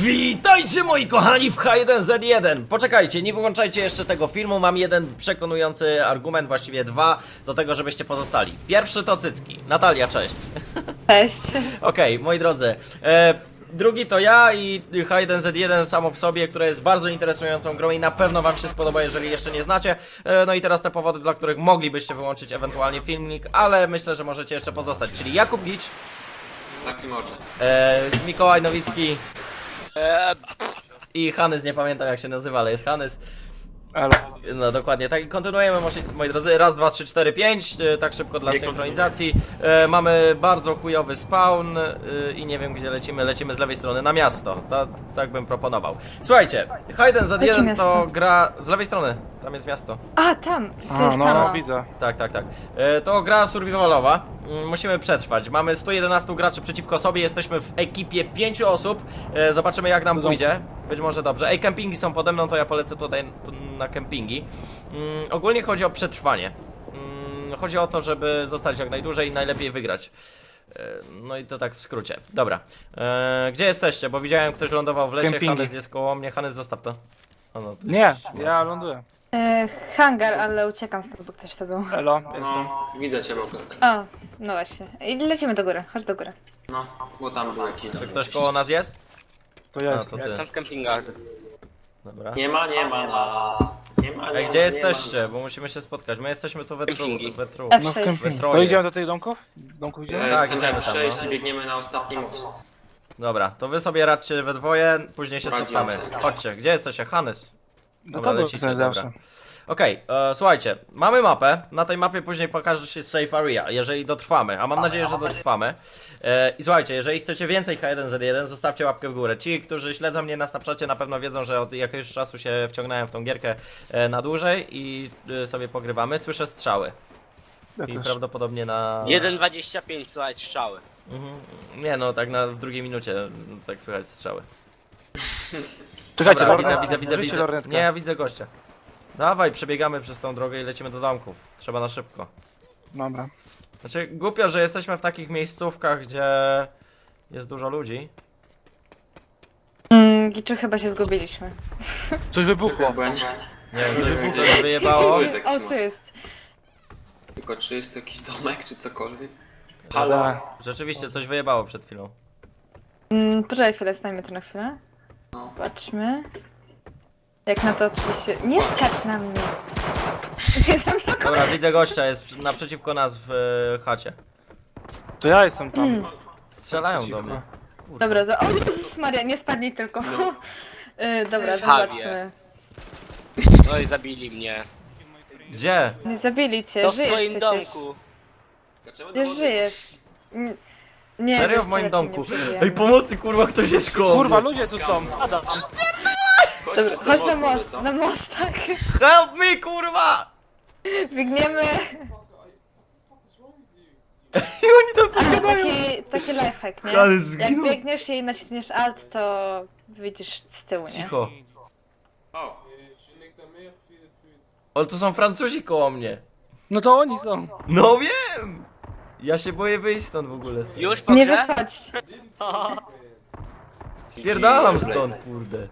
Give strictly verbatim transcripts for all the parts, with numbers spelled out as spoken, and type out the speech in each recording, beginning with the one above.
Witajcie moi kochani w H jeden Z jeden. Poczekajcie, nie wyłączajcie jeszcze tego filmu. Mam jeden przekonujący argument, właściwie dwa, do tego, żebyście pozostali. Pierwszy to cycki. Natalia, cześć. Cześć. Okej, okay, moi drodzy. E, drugi to ja i H jeden Z jeden samo w sobie, które jest bardzo interesującą grą i na pewno wam się spodoba, jeżeli jeszcze nie znacie. E, no i teraz te powody, dla których moglibyście wyłączyć ewentualnie filmik, ale myślę, że możecie jeszcze pozostać. Czyli Jakub Gicz, Taki mordę. e, Mikołaj Nowicki Eee, i Hanys, nie pamiętam jak się nazywa, ale jest Hanys. elo. No dokładnie, tak i kontynuujemy, moi, moi drodzy, raz, dwa, trzy, cztery, pięć, e, tak szybko dla Nie synchronizacji. E, mamy bardzo chujowy spawn e, i nie wiem gdzie lecimy, lecimy z lewej strony na miasto, Ta, tak bym proponował. Słuchajcie, H jeden Z Jakie jeden to miasto? gra, z lewej strony, tam jest miasto. A, tam. To A, jest no, tam. no, widzę. Tak, tak, tak. E, to gra survivalowa. Mm, Musimy przetrwać. Mamy sto jedenaście graczy przeciwko sobie. Jesteśmy w ekipie pięciu osób. E, zobaczymy jak nam To pójdzie. Być może dobrze. Ej, kempingi są pode mną, to ja polecę tutaj tu na kempingi. Mm, ogólnie chodzi o przetrwanie. Mm, chodzi o to, żeby zostać jak najdłużej i najlepiej wygrać. E, no i to tak w skrócie. Dobra. E, gdzie jesteście? Bo widziałem, ktoś lądował w lesie. Kempingi. Hanys jest koło mnie. Hanys, zostaw to. O, no, ty- Nie, ja ląduję. E, hangar, ale uciekam stąd, bo ktoś to był. Elo, jestem. No, widzę cię w ogóle. Tak. O, no właśnie. I lecimy do góry, chodź do góry. No, bo tam był jakiś Czy dom. ktoś koło nas jest? To ja A, jestem. to ty. Jestem w kempingach. Dobra. Nie ma, nie ma nas. Nie ma, nie Ej, ma, gdzie nie jesteście? ma Bo nas. musimy się spotkać. My jesteśmy tu we tru, Kempingi. we tru. F No w sześć. kempingu. Troje. To idziemy do tych domków? Domków Ja idziemy? Tak, jestem idziemy F tam, sześć no. i biegniemy na ostatni most. Dobra, to wy sobie radźcie we dwoje, później się Poradzimy spotkamy. sobie. Chodźcie, gdzie jesteście? Hanys. No Dobra, to lecicie, był dobra. zawsze. Okej, e, słuchajcie, mamy mapę. Na tej mapie później pokaże się safe area, jeżeli dotrwamy, a mam nadzieję, że dotrwamy. E, I słuchajcie, jeżeli chcecie więcej H jeden Z jeden, zostawcie łapkę w górę. Ci, którzy śledzą mnie na Snapchacie, na pewno wiedzą, że od jakiegoś czasu się wciągnąłem w tą gierkę e, na dłużej i e, sobie pogrywamy. Słyszę strzały. Ja I też. prawdopodobnie na... jeden dwadzieścia pięć, słuchaj, strzały. Mhm. Nie no, tak na, w drugiej minucie tak słychać strzały. Czekajcie, Dobra, lornetka. widzę, widzę, widzę, Użyjcie widzę. lornetkę. Nie, ja widzę gościa. Dawaj, przebiegamy przez tą drogę i lecimy do domków. Trzeba na szybko. Dobra. Znaczy, głupio, że jesteśmy w takich miejscówkach, gdzie jest dużo ludzi. Mm, Giczu, chyba się zgubiliśmy. Coś wybuchło. Bo ja nie... Nie wiem, coś mi coś wyjebało. Tu jest jakiś O, tu most. jest. Tylko czy jest to jakiś domek, czy cokolwiek? Ale... Rzeczywiście, coś wyjebało przed chwilą. Mm, poczekaj chwilę, stajmy tu na chwilę. No. Patrzmy. Jak na to oczywiście... Nie skacz na mnie. Jestem tylko... Dobra, widzę gościa, jest naprzeciwko nas w e, chacie. To ja jestem tam. Mm. Strzelają do mnie. Kurde. Dobra, za... O Jezus Maria, nie spadnij tylko. No. y, dobra, Fawie. zobaczmy. No i zabili mnie. Gdzie? Nie zabili cię, To w żyjesz twoim przecież. domku. Dlaczego do Ty wody? żyjesz. Mm, Nie, Serio wiesz w co, moim raczej domku? nie przeżyjemy. Ej, pomocy, kurwa, ktoś jest koło. Kurwa, ludzie tu są. Adam. Chodź Dobra, przez ten chodź na most, może, most, co? na mostach. Help me, kurwa! Biegniemy. I oni tam coś A, gadają. taki, taki lifehack, nie? Ale Jak zginął. biegniesz i naciśniesz alt, to widzisz z tyłu, nie? Cicho. O, Ale to są Francuzi koło mnie. No to oni są. No wiem! Ja się boję wyjść stąd w ogóle. Stąd. Już po Nie grze? wychodź. Spierdalam Dziwne. stąd, kurde.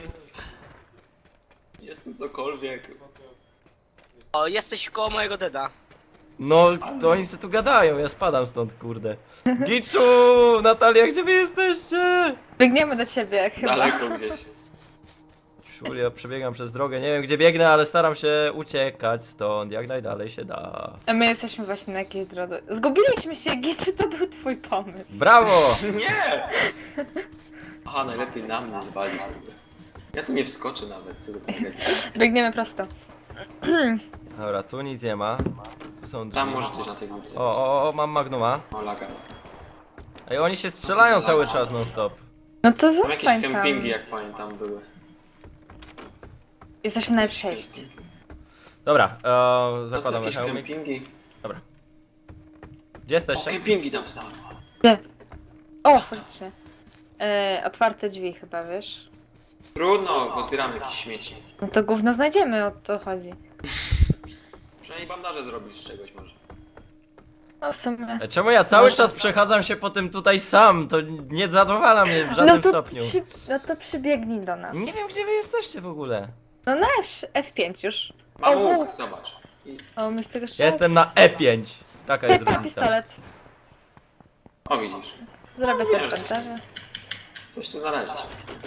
jest tu cokolwiek. O, jesteś koło mojego deda. No, to oni se tu gadają, ja spadam stąd, kurde. Giczu! Natalia, gdzie wy jesteście? Biegniemy do ciebie chyba. Daleko gdzieś. Szul, ja przebiegam przez drogę, nie wiem gdzie biegnę, ale staram się uciekać stąd, jak najdalej się da. A my jesteśmy właśnie na jakiejś drodze. Zgubiliśmy się, Giczy, to był twój pomysł. Brawo! Nie! Aha, najlepiej na mnie zwalić. Ja tu nie wskoczę nawet, co za tragedia. Biegniemy prosto. Dobra, tu nic nie ma. Tu są drzwi. Tam może coś na tej górce. O, o, o, mam Magnuma. O, laga. Ej, oni się strzelają cały czas non stop. No to Tam jakieś zostań tam. kempingi, jak pamiętam, były. Jesteśmy na F sześć. Dobra, e, To zakładam jakieś hełmik. kempingi. Dobra. Gdzie O, jesteście? kempingi tam są. Gdzie? O, faktycznie. E, otwarte drzwi chyba, wiesz? Trudno, bo zbieramy jakieś śmieci. No to gówno znajdziemy, o to chodzi. Przynajmniej bandaże zrobisz z czegoś może. No w sumie. E, Czemu ja cały czas przechadzam się po tym tutaj sam? To nie zadowala mnie w żadnym No to, stopniu. przy, no to przybiegnij do nas. Nie wiem, gdzie wy jesteście w ogóle. No na F, F pięć już. Mam O, łuk, zobacz. I... O, my z tego Ja strzelać? jestem na E pięć. Taka jest Typa, różnica. pistolet. O, widzisz. Zrobię Wiesz, też coś komentarze. Coś tu znaleźliśmy.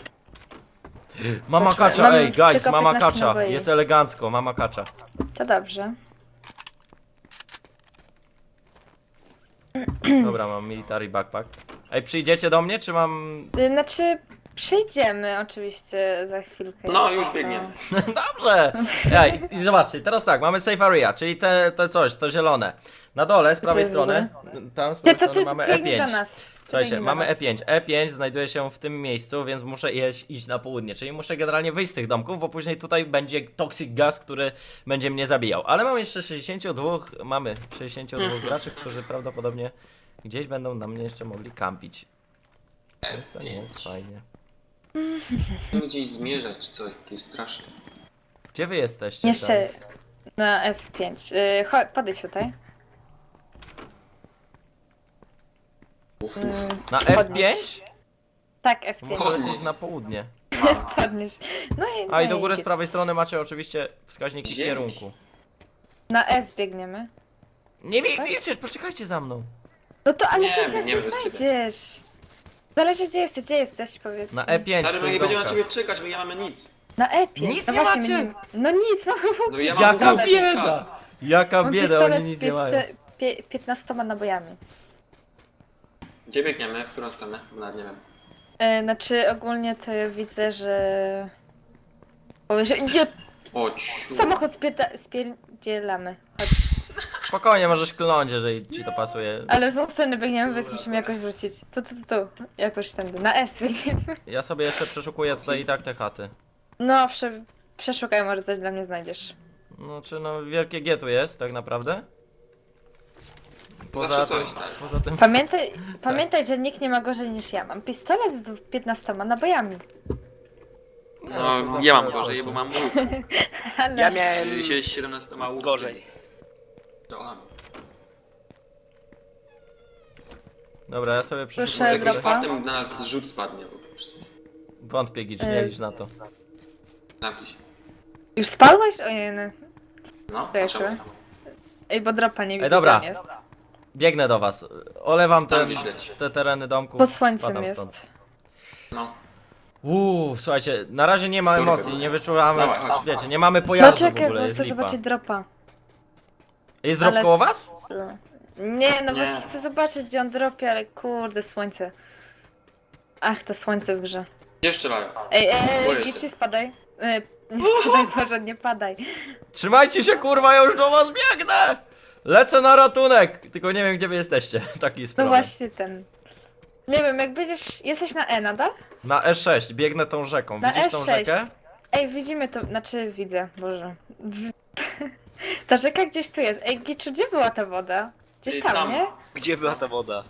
Mama Proszę, kacza, mam ej, guys, tylko mama piętnaście kacza. naboi. Jest elegancko, mama kacza. To dobrze. Dobra, mam military backpack. Ej, przyjdziecie do mnie, czy mam... Y, Znaczy, przyjdziemy oczywiście za chwilkę. No, już biegniemy. Dobrze! Ej, i zobaczcie, teraz tak, mamy safe area, czyli te, te coś, to zielone. Na dole, z prawej jest w strony, tam z Ty, prawej to strony ty mamy biegnij do E pięć. nas. Słuchajcie, Biegnij do mamy nas. E pięć. E pięć znajduje się w tym miejscu, więc muszę iść, iść na południe, czyli muszę generalnie wyjść z tych domków, bo później tutaj będzie toxic gas, który będzie mnie zabijał. Ale mam jeszcze sześćdziesięciu dwóch, mamy sześćdziesięciu dwóch graczy, którzy prawdopodobnie gdzieś będą na mnie jeszcze mogli kampić. Więc to nie jest fajnie. Musimy gdzieś zmierzać, coś, tu jest strasznie. Gdzie wy jesteście? Jeszcze teraz? na F pięć. Yy, chodź, podejdź tutaj. Uf, Yy, uf. Na podnieś. F pięć? Tak, F pięć. Muszę lecieć na południe. Podnieś. No i, A i no do góry z prawej strony macie oczywiście wskaźniki Dzięki. kierunku. Na S biegniemy. Nie biegnijcie, poczekajcie za mną. No to ale Nie, ty nas biegniemy nie bez ciebie. znajdziesz. Zależy gdzie jesteś, gdzie jesteś, powiedz. Na E pięć. Stary, w my tych nie będziemy na domkach. ciebie czekać, bo nie mamy nic. Na E pięć. Nic no nie właśnie, macie? my No nic, mamy No ja mam Jaka łuk i bieda! kas. Jaka Mam bieda, pistolet oni nic z nie mają. pięćset- pie- piętnastoma nabojami. Gdzie biegniemy? W którą stronę? Bo nawet nie wiem. E, znaczy ogólnie to ja widzę, że... Powie, że nie, O, ciu. samochód spieta- spierdzielamy. Chodź. Spokojnie, możesz klnąć, jeżeli ci to pasuje. Ale z tą strony biegniemy, więc musimy jakoś wrócić. Tu, tu, tu, tu. Jakoś tędy. Na S biegniemy. Ja sobie jeszcze przeszukuję tutaj i tak te chaty. No, prze, przeszukaj, może coś dla mnie znajdziesz. No czy no, wielkie G tu jest, tak naprawdę? Zawsze Poza coś, tym, stary. poza tym... Pamiętaj, pamiętaj, że nikt nie ma gorzej niż ja. Mam pistolet z piętnastoma nabojami. to No, zawsze ja mam coś. gorzej, bo mam łuk. Ale... Ja miałem Z siedemnastoma łuk. gorzej. Dobra, ja sobie Proszę, przeszukuję. Może jakimś dropa. fartem na nas rzut spadnie, bo po prostu. Wątpię, Gicz, nie Y. licz na to. Zamknij się. Już spadłeś? Ojej, no. No, To a jeszcze? czemu? Ej, bo dropa nie widzę, dobra. gdzie on jest. Biegnę do was. Olewam Tam ten, gdzieś leci. te tereny domków. Pod słońcem spadam jest. stąd. No. Uuu, słuchajcie, na razie nie ma Kurwa. emocji, nie wyczuwamy, Dawaj, chodź. wiecie, nie mamy No pojazdu w czekaj, ogóle, bo jest chcę lipa. zobaczyć dropa. Jest drop ale- koło was? Nie, no Nie. właśnie chcę zobaczyć, gdzie on dropie, ale kurde, słońce. Ach, to słońce w grze. Gdzie strzelają? Ej, ej, Boję ej, się. Gici, spadaj. E, nie spadaj, Boże, nie padaj. Trzymajcie się, kurwa, ja już do was biegnę! Lecę na ratunek! Tylko nie wiem, gdzie wy jesteście, taki jest No problem. właśnie ten. Nie wiem, jak będziesz... Jesteś na E nadal? Na E sześć, biegnę tą rzeką, Na widzisz tą E sześć. rzekę? Ej, widzimy to, znaczy widzę, Boże. W... Ta rzeka gdzieś tu jest. Ej, Giczu, gdzie była ta woda? Gdzieś Ej, tam, tam. nie? Gdzie była ta woda?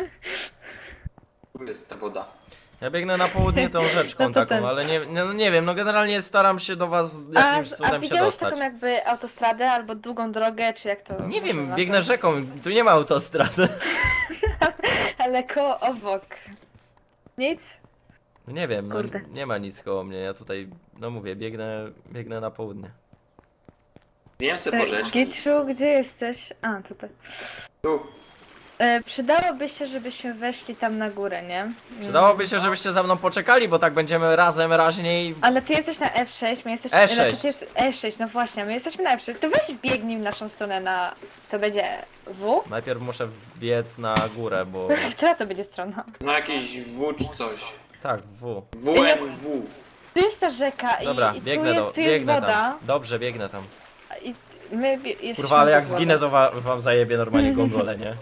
Tu jest ta woda. Ja biegnę na południe tą rzeczką No to taką, ten. ale nie, nie, no nie wiem, no generalnie staram się do was A, jakimś a cudem się widziałeś dostać. taką jakby autostradę albo długą drogę, czy jak to... Nie można wiem, nazwać? biegnę rzeką, tu nie ma autostrady. Ale koło obok. Nic? No nie wiem, no Kurde. nie ma nic koło mnie, ja tutaj, no mówię, biegnę, biegnę na południe. Zjem se porzeczki. Giczu, gdzie jesteś? A, tutaj. Tu. E, przydałoby się, żebyśmy weszli tam na górę, nie? Przydałoby się, żebyście za mną poczekali, bo tak będziemy razem raźniej. Ale ty jesteś na F sześć, my jesteśmy... E sześć. Znaczy, ty jest E sześć, no właśnie, my jesteśmy na F sześć. To weź biegnij w naszą stronę na... To będzie W? Najpierw muszę wbiec na górę, bo... Która to będzie strona? No jakieś W czy coś. Tak, W. W N W. Tu jest ta rzeka i, Dobra, i tu biegnę jest, do, tu jest biegnę woda. tam. Dobrze, biegnę tam. I my bie- jesteśmy Kurwa, ale jak pod wodą. zginę, to wa wam zajebie normalnie gongole, nie?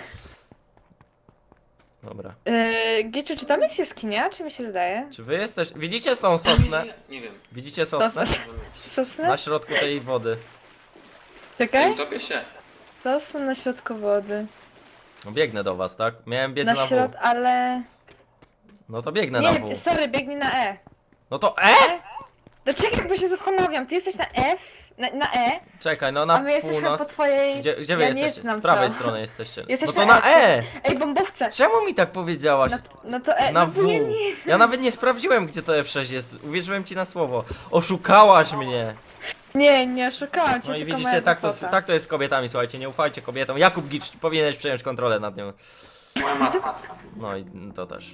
Dobra. Yy, Giczu, czy tam jest jaskinia, czy mi się zdaje? Czy wy jesteś... Widzicie tą sosnę? Nie wiem. Widzicie sosnę? Sosnę? Na środku tej wody. Nie Czekaj. utopię się. Sosnę na środku wody. No biegnę do was, tak? Miałem biec Na na środ... W. ale... No to biegnę na Nie, W. sorry, biegnij na E. No to E? No czekaj, bo się zastanawiam, ty jesteś na F, na, na E, Czekaj, no a na my jesteśmy północ. po twojej... Gdzie, gdzie wy ja nie jesteście? znam Z prawej to. strony jesteście. No Jesteśmy to na E! Ej, bombowce! Czemu mi tak powiedziałaś? No, no to E, Na no W. bo nie, nie. Ja nawet nie sprawdziłem, gdzie to F sześć jest. Uwierzyłem ci na słowo. Oszukałaś mnie. Nie, nie oszukałam cię, No i tylko widzicie, moja tak to, głupota. tak to jest z kobietami, słuchajcie, nie ufajcie kobietom. Jakub Gicz, powinieneś przejąć kontrolę nad nią. Moja matka. No i to też.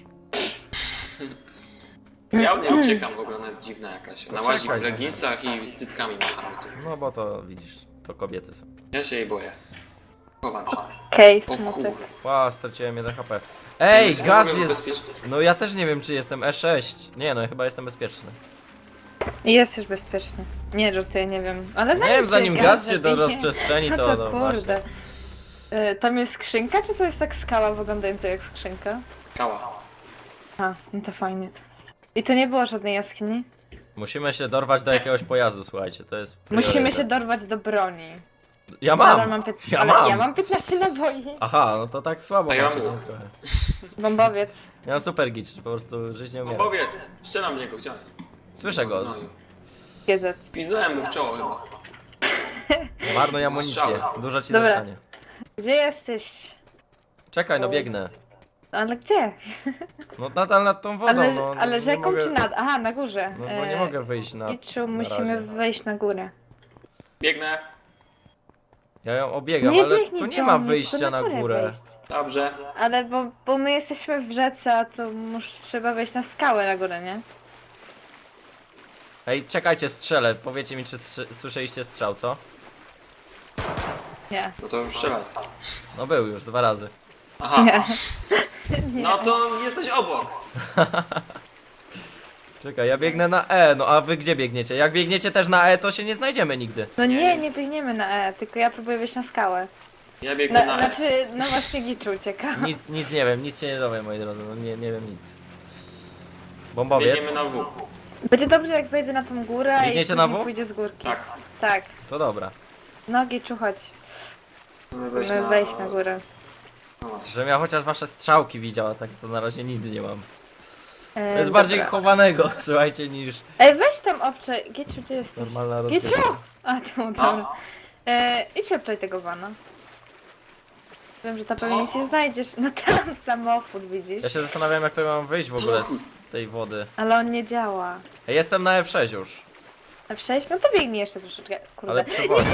Ja od niej uciekam, w ogóle ona jest dziwna jakaś. Ona łazi w Poczekaj. leginsach i z cyckami machamy tu. No bo to widzisz, to kobiety są. Ja się jej boję. Chowam się. Okej, O smutek. kurwa. Ła, straciłem jeden H P. Ej, Jesteś w gaz ogóle jest... bezpieczny? No ja też nie wiem, czy jestem E sześć. Nie no, chyba jestem bezpieczny. Jest już bezpiecznie. Nie, żartuję, nie wiem. Ale Nie zanim wiem, zanim cię gaz się do zabije- rozprzestrzeni, No to to no właśnie. kurde. Y, Tam jest skrzynka, czy to jest tak skała wyglądająca jak skrzynka? Kała. A, no to fajnie. I to nie było żadnej jaskini? Musimy się dorwać do jakiegoś pojazdu, słuchajcie, to jest Musimy priorytet. się dorwać do broni. Ja Nadal mam! pięt- Ja ale mam! ja mam piętnaście naboi. Aha, no to tak słabo A ja macie, mam nie, łuk. trochę. Bombowiec. Ja mam super gicz, po prostu żyć nie umiem. Bombowiec! Strzelam w niego, gdzie on jest? Słyszę go, No i... G Z. Piznąłem mu w czoło chyba. marnuj amunicję, Strzał. dużo ci Dobra. zostanie. Gdzie jesteś? Czekaj, no biegnę. Ale gdzie? No nadal nad tą wodą, Ale, no. ale nie rzeką mogę, czy nad? Aha, na górze. No bo nie E, mogę wyjść na... I czu, na musimy razie. wejść na górę. Biegnę. Ja ją obiegam, Nie ale biegnij tu nie do ma mnie, wyjścia tylko na górę górę. wejść. Dobrze. Ale bo, bo my jesteśmy w rzece, a to mus, trzeba wejść na skałę na górę, nie? Ej, czekajcie, strzelę. Powiecie mi, czy strzy- słyszeliście strzał, co? Nie. No to już strzelaj. No był już, dwa razy. Aha. Nie. No to jesteś obok. Czekaj, ja biegnę na E, no a wy gdzie biegniecie? Jak biegniecie też na E, to się nie znajdziemy nigdy. No Nie, nie, nie. nie biegniemy na E, tylko ja próbuję wejść na skałę. Ja biegnę Na, na E. znaczy, no właśnie Giczu ucieka. Nic, nic nie wiem, nic się nie dowiem, moi drodzy, no nie, nie wiem nic. Bombowiec? Biegniemy na W. Będzie dobrze jak wejdę na tą górę Biegniecie i na później W? pójdzie z górki. Tak. Tak. To dobra. No Giczu, chodź. Chcemy wejść Musimy na... wejść na górę. No właśnie. Żebym ja chociaż wasze strzałki widział, a tak to na razie nic nie mam. E, To jest bardziej dobra. chowanego, słuchajcie, niż Ej, weź tam obczaj. Giczu, gdzie jesteś? normalna Giczu! rozgrywka. A, tu, dobra. E, I przepczaj tego wana. Wiem, że tam pewnie nic nie znajdziesz. No tam samochód, widzisz? Ja się zastanawiam, jak to mam wyjść w ogóle z tej wody. Ale on nie działa. Ej, jestem na F sześć już, A przejść? No to biegnij jeszcze troszeczkę. Kurde. ale przewodzi.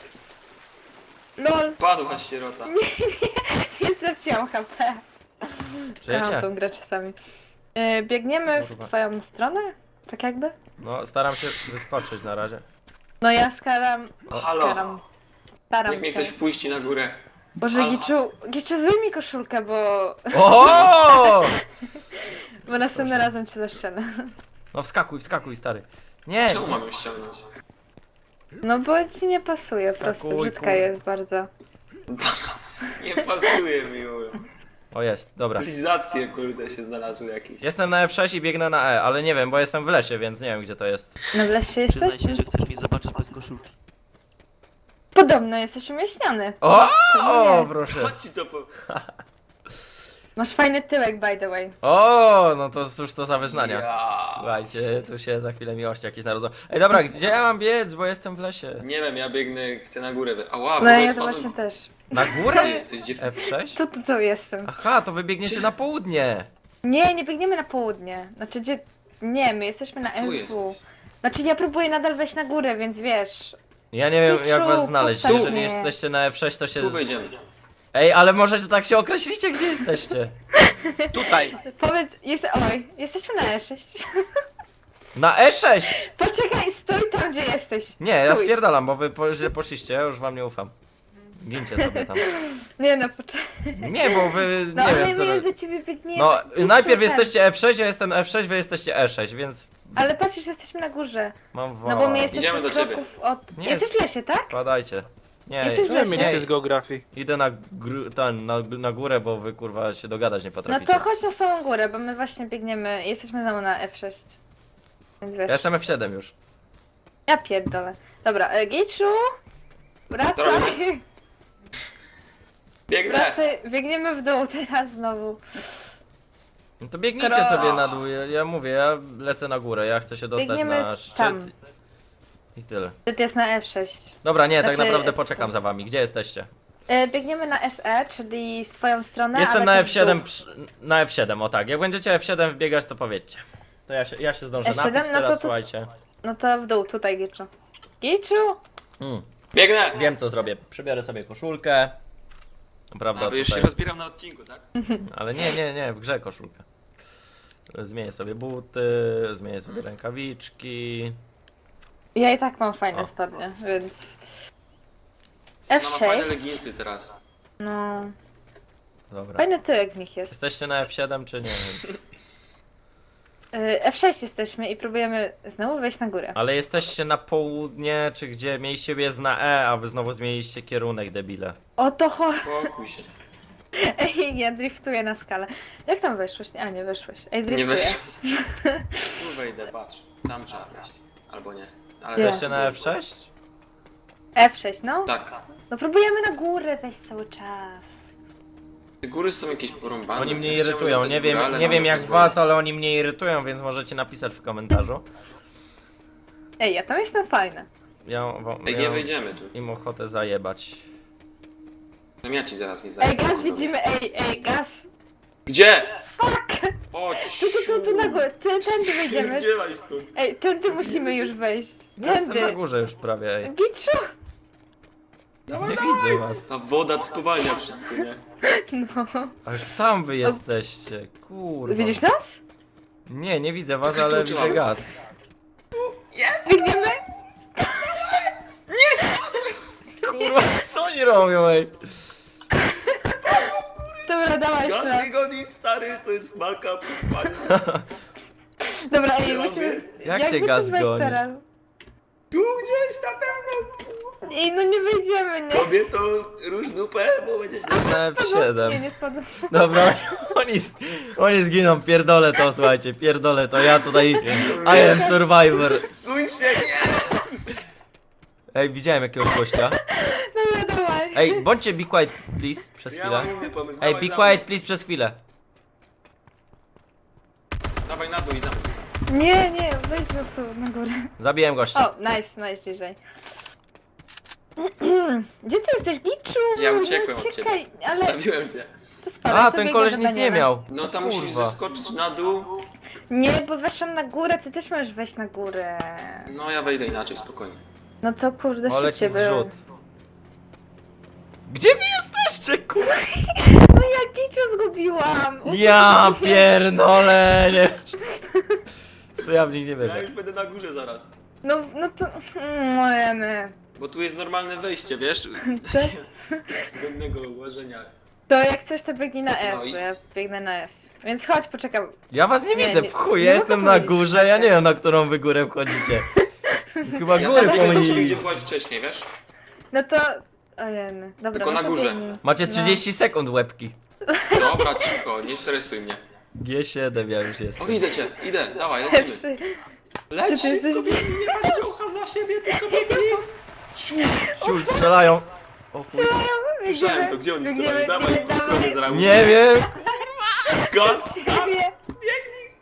LOL! Padł choć sierota. Nie straciłam H P. Kocham Żyjecie? tą grę czasami. E, biegniemy Kurwa. w twoją stronę? Tak jakby? No, staram się wyskoczyć na razie. No ja skaram... Halo. Skaram. Staram Niech mnie się. ktoś wpuści na górę. Boże, Halo. Giczu, Giczu, zdejmij koszulkę, bo... O! bo następnym razem cię zaszczelę. No wskakuj, wskakuj, stary. Nie! Czemu mam ją ściągnąć? No bo ci nie pasuje, po prostu Skakuj, brzydka kurde. jest bardzo. Nie pasuje mi już. O jest, dobra. Cywilizacje kurde się znalazły jakieś. Jestem na F sześć i biegnę na E, ale nie wiem, bo jestem w lesie, więc nie wiem gdzie to jest. No w lesie Przyznaj jesteś? się, że chcesz mnie zobaczyć bez koszulki. Podobno jesteś umieśniony. O! To O, nie. proszę. Co ci to po... Masz fajny tyłek, by the way. O, no to cóż to za wyznania. Ja. Słuchajcie, tu się za chwilę miłości jakieś narodzą. Ej, dobra, gdzie ja mam biec, bo jestem w lesie? Nie wiem, ja biegnę, chcę na górę. wy- Ała, w No ogóle ja to spadłem. właśnie też. Na Gdzie górę? jesteś dziewczyna? F sześć? Tu, tu, tu jestem. Aha, to wy biegniecie na południe. Nie, nie biegniemy na południe. Znaczy gdzie... Nie, my jesteśmy na Tu M W. jesteś. Znaczy ja próbuję nadal wejść na górę, więc wiesz. Ja nie wiem jak was Piczu, znaleźć, postaw jeżeli mnie. jesteście na F sześć to się... Tu wejdziemy. Ej, ale może tak się określicie gdzie jesteście. Tutaj. Powiedz, jest... oj, jesteśmy na E sześć. Na E sześć! Poczekaj, stój tam gdzie jesteś. Nie, ja Stój. spierdalam, bo wy po, źle poszliście, ja już wam nie ufam. Gincie sobie tam. Nie no, poczekaj. Nie, bo wy No nie ale wiem co my już wy... do ciebie biegniemy. No, Idź najpierw tu, jesteście F sześć, ja jestem F sześć, wy jesteście E sześć, więc Ale patrz, już jesteśmy na górze. mam No bo my wa- jesteśmy Idziemy do ciebie. kroków od... Nie Jesteś jest- w lesie, tak? Padajcie. Nie, Jesteś w Tyle lesie. mieliście z geografii. idę na, gr- ten, na, na górę, bo wy kurwa się dogadać nie No potraficie. to chodź na samą górę, bo my właśnie biegniemy, jesteśmy znowu na F sześć. Więc wiesz. Ja jestem F siedem już. Ja pierdolę. Dobra, e, Giczu! Wracaj! Biegnę! Wracaj, biegniemy w dół teraz znowu. No to biegnijcie Kro- sobie na dół, ja, ja mówię, ja lecę na górę, ja chcę się dostać Biegniemy na szczyt. tam. I tyle. Ty jest na F sześć. Dobra, nie, tak Znaczy- naprawdę poczekam za wami. Gdzie jesteście? E, biegniemy na S E, czyli w twoją stronę. Jestem ale na ty F w siedem, dół. przy- na F siedem, o tak. Jak będziecie F siedem wbiegać, to powiedzcie. To ja się, ja się zdążę F siedem? napić No to teraz, tu- słuchajcie. No to w dół, tutaj Giczu. Giczu? Mm, Biegnę! wiem co zrobię. Przybiorę sobie koszulkę. Prawda, A, bo już się tutaj. rozbieram na odcinku, tak? Ale nie, nie, nie, w grze koszulkę. Zmienię sobie buty, zmienię sobie rękawiczki. Ja i tak mam fajne O. spodnie, więc... Ona F ma sześć? fajne leginsy teraz. No... Dobra. Fajny tyłek w nich jest. Jesteście na F siedem czy nie? Y, F sześć jesteśmy i próbujemy znowu wejść na górę. Ale jesteście na południe, czy gdzie mieliście biec na E, a wy znowu zmieniliście kierunek, debile. O to cho... Pokój się. Ej, ja driftuję na skalę. Jak tam weszłeś? A, nie weszłeś. Ej, Nie driftuję. weź. Tu wejdę, patrz. Tam trzeba wejść. Albo nie. Ale Gdzie? Jesteście na F sześć? F sześć, no? Tak. No próbujemy na górę wejść cały czas. Te góry są jakieś porąbane. Oni mnie Ja chciałem irytują, zostać nie w górę, wiem, ale nie nam wiem jak pozwolą. was, ale oni mnie irytują, więc możecie napisać w komentarzu. Ej, ja tam jestem fajna. Ja wam Ej, nie wejdziemy tu. im ochotę zajebać. No ja ci zaraz nie Ej, zajmę. gaz widzimy, ej, ej, gaz. Gdzie? Fuck! O, Tu, tu, tu, tu na górę, ty, tędy wejdziemy. Spierdzielaj stąd. Ej, tędy musimy już wejść. Ja jestem na Tędy. górze już prawie, ej. Giczu! Nie widzę was. Ta woda spowalnia wszystko, nie? No. Ach, tam wy jesteście, kurwa. Widzisz nas? Nie, nie widzę was, Tu, tu, ale tu, widzę tu. gaz. Biegniemy? Kurwa, co oni robią, ej? Dobra, dawaj jeszcze Gaz raz. mnie goni, stary, to jest walka przetrwania. Dobra, ej, Ja musimy... wiem. Jak jakby cię gaz tu wejść goni? teraz? Tu gdzieś na pewno. Ej, no nie wejdziemy, nie? Kobieto, róż dupę, bo będziesz Na F Nie, siedem. nie spadł. Dobra, oni, oni zginą, pierdolę to, słuchajcie, pierdolę to, ja tutaj I am survivor. Suń się, nie! Ej, widziałem jakiegoś gościa. Dobra, dawaj. Ej, bądźcie be quiet, please, przez Ja chwilę. mam inny pomysł. Ej, dawaj be za quiet, mną. please, przez chwilę. Dawaj na dół i za mną. Nie, nie, wejdźmy tu na górę. Zabiłem gościa. O, nice, nice, bliżej. Gdzie ty jesteś, Giczu? Ja Nie uciekłem od ciebie. uciekaj, ale... Zostawiłem cię. To spadaj, A, to ten biegnę koleś do nic nie Daniela. miał. No tam musisz Kurwa. zeskoczyć na dół. Nie, bo weszłam na górę, ty też możesz wejść na górę. No ja wejdę inaczej, spokojnie. No to kurde, O, leci szybciej było. zrzut. Gdzie wy jesteście, kurwa? No ja Giczu zgubiłam. Ja pierdolę, nie. To ja w nich nie Ja wierzę. już będę na górze zaraz. No, no to... Mm, Ojeny. Bo tu jest normalne wejście, wiesz? Co? Z błędnego ułożenia. To jak coś to biegnij na S, No i- bo ja biegnę na S. Więc chodź, poczekam. Ja was nie Nie, widzę, nie- w chuj, nie ja mogę jestem na powiedzieć, górze, ja nie tak. wiem na którą wy górę wchodzicie. Chyba Ja góry tam biegnę do ciebie, pomylili. gdzie byłaś wcześniej, wiesz? No to... Ojeny. Dobra, Tylko no na to górze. biegnij. Macie trzydzieści sekund łebki. Dobra, cicho, nie stresuj mnie. G siedem ja już O, jestem. widzę cię, idę, dawaj, No. lecimy. Trzy. Leć Ty- ty- szybko, ty- biegnij, nie masz dziołcha za siebie, tylko biegnij. Ciu, Ciul, strzelają. O chuj. słyszałem to, gdzie oni Biegniemy, strzelają? Dawaj, biegniemy, po stronie dawaj. zaraz. Nie wiem. Gaz, gaz, Nie. biegnij.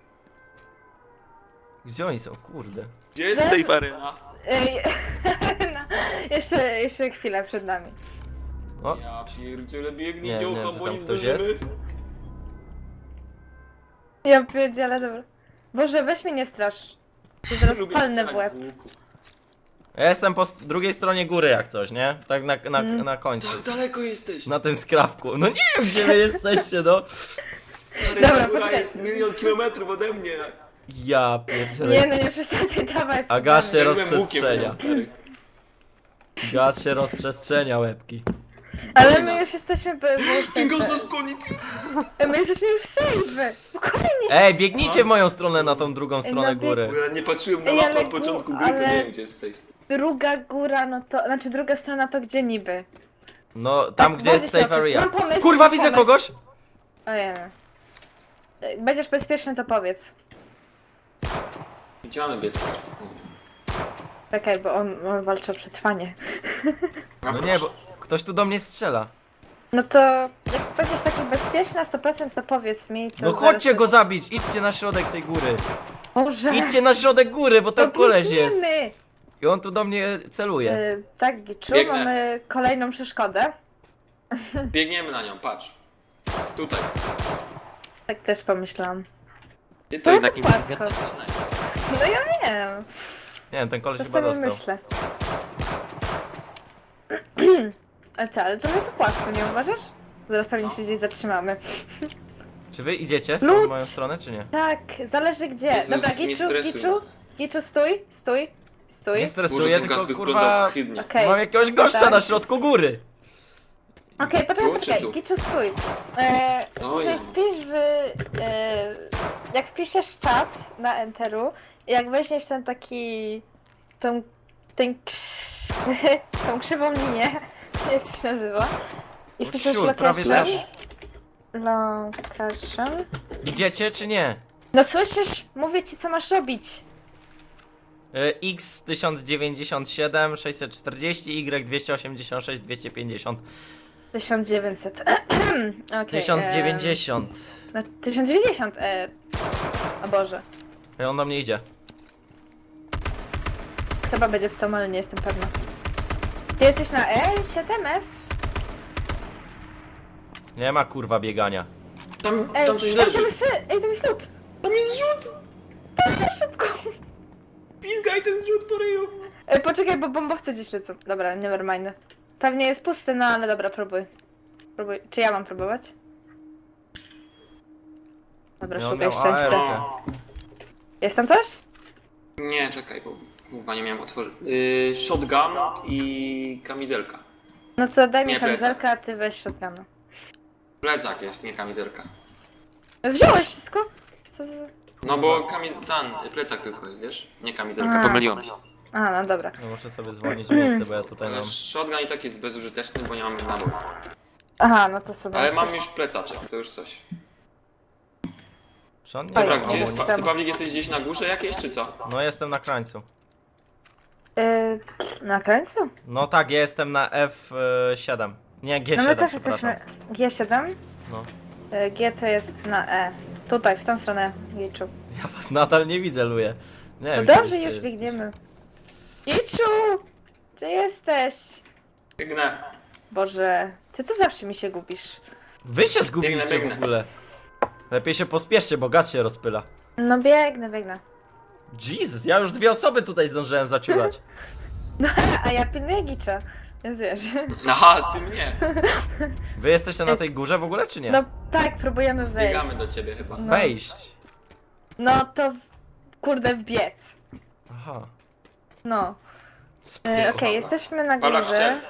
Gdzie oni są, kurde. Gdzie jest safe arena? Ej, no, jeszcze, jeszcze chwilę przed nami. O, Ja pierdziele, biegnij Nie, nie, dziołcha, że bo tam nie ktoś zdążymy. jest? Ja pierdzielę, dobra. Boże, weź mnie nie strasz. Ty zaraz Lubię palnę w strzelać łeb. z łuku. ja jestem po s- drugiej stronie góry jak coś, nie? Tak na, na, Mm. na końcu. Tak daleko jesteś. Na tym skrawku. No nie wiem gdzie wy jesteście, no. Arena Dobra, góra poczekaj. jest milion kilometrów ode mnie. Ja Nie pierdzielę. no, nie przesadzaj, dawaj. A gaz się Strzeliłem łukiem, rozprzestrzenia. moją, stary. Gaz się rozprzestrzenia, łebki. Ale Goni my nas. już jesteśmy be- Ten gaz be- nas goni. My jesteśmy już safe. Spokojnie. Ej, biegnijcie w moją stronę na tą drugą stronę no bieg- góry. Bo ja nie patrzyłem na Ej, mapę ale od początku gu- gry, to ale- nie wiem gdzie jest safe. Druga góra, no to, znaczy druga strona to gdzie niby? No, tam Tak, gdzie jest wodzi się safe o to. area. Mam pomysł, Kurwa, mam widzę pomysł. kogoś! Ojej. Będziesz bezpieczny, to powiedz. Gdzie mamy biec teraz? Czekaj, bo on, on walczy o przetrwanie. A No proszę. nie, bo ktoś tu do mnie strzela. No to jak będziesz taki bezpieczny na sto procent, to powiedz mi. To No zaraz chodźcie to- go zabić, idźcie na środek tej góry. Boże. Idźcie na środek góry, bo tam No koleś jest. biegniemy. I on tu do mnie celuje. Y, tak, Giczu, Biegnę. mamy kolejną przeszkodę. Biegniemy na nią, patrz. Tutaj. Tak też pomyślałam. Ty to No, jednak to inteligentna płasko. dziewczyna. No ja wiem, Nie wiem, ten koleś to chyba sobie dostał. myślę. Ale co, ale trochę to płasko, nie uważasz? Zaraz pewnie się gdzieś zatrzymamy. Czy wy idziecie w Lud! tą moją stronę, czy nie? Tak, zależy gdzie. Jezus, Dobra, nie Giczu, stresuj Giczu, nas. Giczu, stój, stój, stój. Nie Boże, stresuję, ten gaz tylko wygląda kurwa... ohydnie. Okej. Mam jakiegoś gościa Tak. na środku góry. Okej, poczekaj, Tu czy poczekaj, tu? Giczu, stój. E, Oj. że wpisz w... E, jak wpiszesz czat na Enteru, jak weźmiesz ten taki... tą... ten krz, tą krzywą linię, jak to się nazywa, i O wpiszesz ciul, prawie location... też. Location... Idziecie, czy nie? No słyszysz? Mówię ci, co masz robić. Y, X tysiąc dziewięćdziesiąt siedem, sześćset czterdzieści, Y dwieście osiemdziesiąt sześć, dwieście pięćdziesiąt. tysiąc dziewięćset. Okay, tysiąc dziewięćdziesiąt. No, tysiąc dziewięćdziesiąt. E... O Boże. I on do mnie idzie. Chyba będzie w tom, ale nie jestem pewna. Ty jesteś na E siedem F? Nie ma kurwa biegania. Tam, Ej, tam coś ej, leży. tam jest, ej, tam jest lód. Tam jest zrzut! Szybko. Pizgaj ten zrzut po ryju. Ej, poczekaj, bo bombowce gdzieś lecą. Dobra, nevermind. Pewnie jest pusty, no ale dobra, próbuj. Próbuj. Czy ja mam próbować? Dobra, Ja on szukaj miał szczęścia. A R-kę. Jest tam coś? Nie, czekaj, bo kurwa nie miałem otworzyć. Yy, shotgun i kamizelka. No co, daj mi Nie, plecak. kamizelkę, a ty weź shotguna. Plecak jest, nie kamizelka. Wziąłeś wszystko? Co za... No bo kamiz... ten, plecak tylko jest, wiesz? Nie kamizelka, A. pomyliłem się. A, no dobra. No muszę sobie zwolnić miejsce, bo ja tutaj Ale mam... shotgun i tak jest bezużyteczny, bo nie mamy nabój. Aha, no to sobie. Ale mam już plecaczek, to już coś. Czy on nie Dobra, ma gdzie jest... komu- Pa... Ty, Pawlik, jesteś gdzieś na górze jakieś, czy co? No jestem na krańcu. Yy, na krańcu? No tak, ja jestem na F siedem. Nie, G No my siedem, też przepraszam. jesteśmy. G siedem? No. Y, G to jest na E. Tutaj, w tą stronę Giczu. Ja was nadal nie widzę, Luje. Nie No wiem, dobrze, gdzie już jesteście. biegniemy. Giczu! Gdzie jesteś? Biegnę. Boże, ty to zawsze mi się gubisz. Wy się zgubiliście Biegnę, biegnę. w ogóle. Lepiej się pospieszcie, bo gaz się rozpyla. No biegnę, biegnę. Jesus, ja już dwie osoby tutaj zdążyłem zaciulać. No, a ja pilnuję Gicza. Więc wiesz. Aha, ty mnie. Wy jesteście na tej górze w ogóle, czy nie? No tak, próbujemy wejść. Biegamy do ciebie chyba. No. Wejść. No to kurde wbiec. Aha. No. Spoko. E, Okej, jesteśmy na Pawlak, górze. szczel.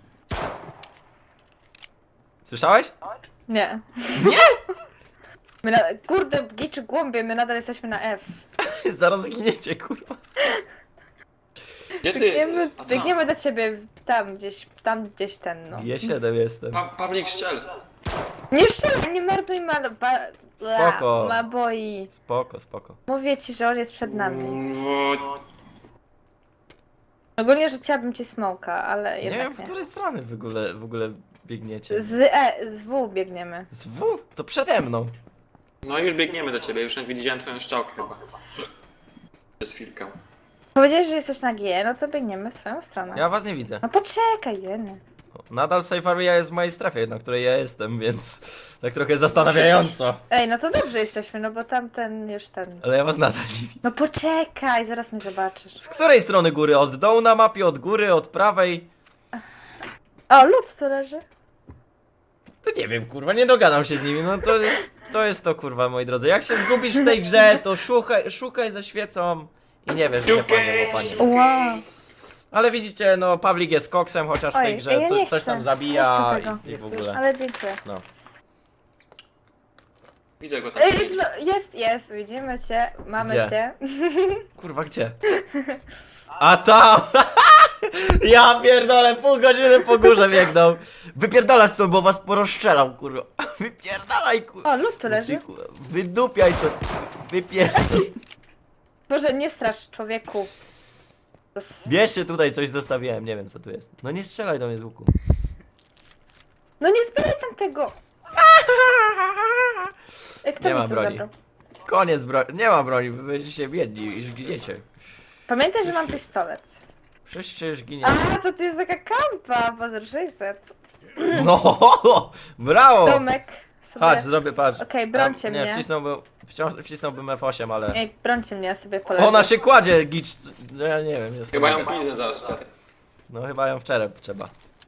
Słyszałeś? Nie. Nie? My na... Kurde, Giczu głąbie, my nadal jesteśmy na F. Zaraz zginiecie, kurwa. Gdzie ty Biegniemy, jesteś? A tam. biegniemy do ciebie tam gdzieś, tam gdzieś ten no. G siedem jestem. Pa Pawlik, szczel. Nie strzelaj, nie marnuj ma... Ba... Spoko. Ma boi. Spoko, spoko. Mówię ci, że on jest przed nami. Wo- Ogólnie rzuciłabym ci smoka, ale Nie jednak wiem, nie. w której strony w ogóle, w ogóle biegniecie. Z E, z W biegniemy. Z W? To przede mną. No już biegniemy do ciebie, już widziałem twoją szczałkę chyba. Przez chwilkę. Powiedziałeś, że jesteś na G, no to biegniemy w twoją stronę. Ja was nie widzę. No poczekaj, Jenny. Nadal Safe Area jest w mojej strefie, na której ja jestem, więc tak trochę zastanawiająco. Ej, no to dobrze jesteśmy, no bo tamten już ten... Ale ja was nadal nie widzę. No poczekaj, zaraz mnie zobaczysz. Z której strony góry? Od dołu na mapie, od góry, od prawej? O, lód tu leży. To nie wiem, kurwa, nie dogadam się z nimi, no to jest to, jest to kurwa, moi drodzy. Jak się zgubisz w tej grze, to szukaj, szukaj ze świecą i nie wiesz, gdzie panie, bo panie. Wow. Ale widzicie, no Pawlik jest koksem, chociaż w tej Oj, grze ja co, nie coś chcę. tam Nie zabija chcę tego. i, i w ogóle. Ale dziękuję. No. Widzę go tam Ej, siedzi. no, jest, jest, widzimy cię, mamy Gdzie? cię. Kurwa, gdzie? A tam! Ja pierdolę, pół godziny po górze biegnął. Wypierdalaj stąd, bo was porozstrzelam, kurwa. Wypierdalaj, kurwa. O, lód tu leży. Wydupiaj to. Wypierdalaj. Boże, nie strasz człowieku. To s- Bierzcie tutaj, coś zostawiłem, nie wiem co tu jest. No nie strzelaj do mnie z łuku. No nie zbieraj tam tego. Ej, kto Nie mi ma to broni. zabrał? Koniec broni, nie ma broni, wy będziecie biedni, już giniecie. Pamiętaj, że mam pistolet. Wszyscy już ginie. A, to tu jest taka kampa, Bozer sześćset. No, brawo! Domek. Sobie... Patrz, zrobię, patrz. Okej, brońcie A, nie, mnie. wcisnąłbym, wciąż, wcisnąłbym F osiem, ale... Ej, brońcie mnie, ja sobie polecę. Ona się kładzie, gicz... No ja nie wiem, jest... Chyba ją piznę zaraz w czacie. No chyba ją w czerep trzeba.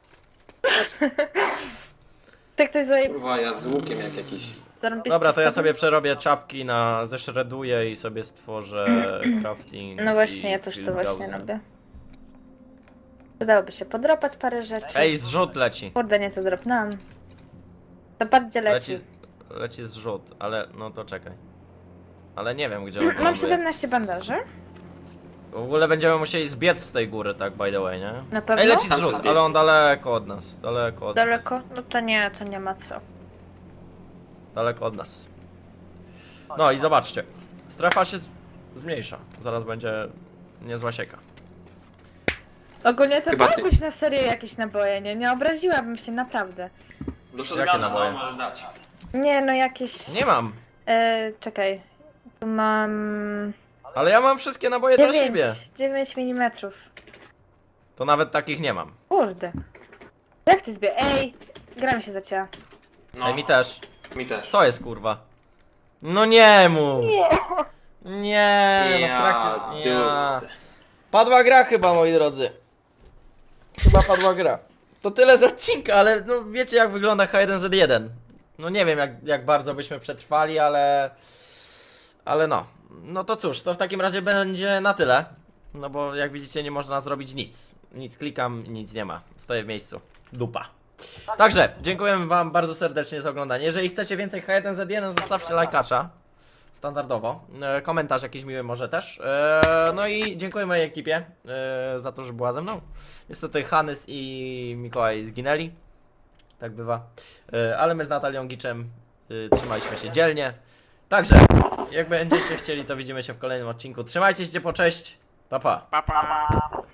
Tak ktoś zaje... Kurwa, ja z łukiem jak jakiś. zarąbisty Dobra, to ja sposób. sobie przerobię czapki na... zeszreduję i sobie stworzę crafting No właśnie, i ja też to field właśnie gauzy. robię. Przydałoby się podropać parę rzeczy. Ej, zrzut leci. Kurde, nie to dropnęłam. To bardziej leci. Leci, leci zrzut, ale no to czekaj. Ale nie wiem gdzie on Mam ląduje. siedemnaście bandaży. W ogóle będziemy musieli zbiec z tej góry, tak by the way, nie? Na pewno? Ej, leci Tam zrzut, sobie ale on daleko od nas. Daleko od nas. Daleko? No to nie, to nie ma co. Daleko od nas. No i zobaczcie. Strefa się z- zmniejsza. Zaraz będzie niezła sieka. Ogólnie to Chyba ty. dałbyś na serio jakieś naboje, nie? Nie obraziłabym się, naprawdę. Do Jakie shotguna, naboje? no, możesz dać. Nie, no jakieś... Nie mam. E, czekaj. Tu mam... Ale ja mam wszystkie naboje dla dziewięć, siebie. dziewięć milimetrów. To nawet takich nie mam. Kurde. Jak ty zbie... Ej! Gra mi się zacięła. No, Ej, mi też. mi też. Co jest kurwa? No nie mów. Nie. Nie, no w Ja trakcie... Ja. dupce. Padła gra chyba, moi drodzy. Chyba padła gra. To tyle z odcinka, ale no wiecie jak wygląda H jeden Z jeden. No nie wiem jak, jak bardzo byśmy przetrwali, ale... Ale no. No to cóż, to w takim razie będzie na tyle. No bo jak widzicie nie można zrobić nic. Nic klikam, nic nie ma. Stoję w miejscu. Dupa. Także, dziękujemy wam bardzo serdecznie za oglądanie. Jeżeli chcecie więcej H jeden Z jeden, zostawcie lajkacza. Standardowo. E, komentarz jakiś miły może też. E, no i dziękuję mojej ekipie e, za to, że była ze mną. Niestety Hanys i Mikołaj zginęli. Tak bywa. E, ale my z Natalią Giczem e, trzymaliśmy się dzielnie. Także, jak będziecie chcieli, to widzimy się w kolejnym odcinku. Trzymajcie się, po cześć. Pa, pa. Pa, pa.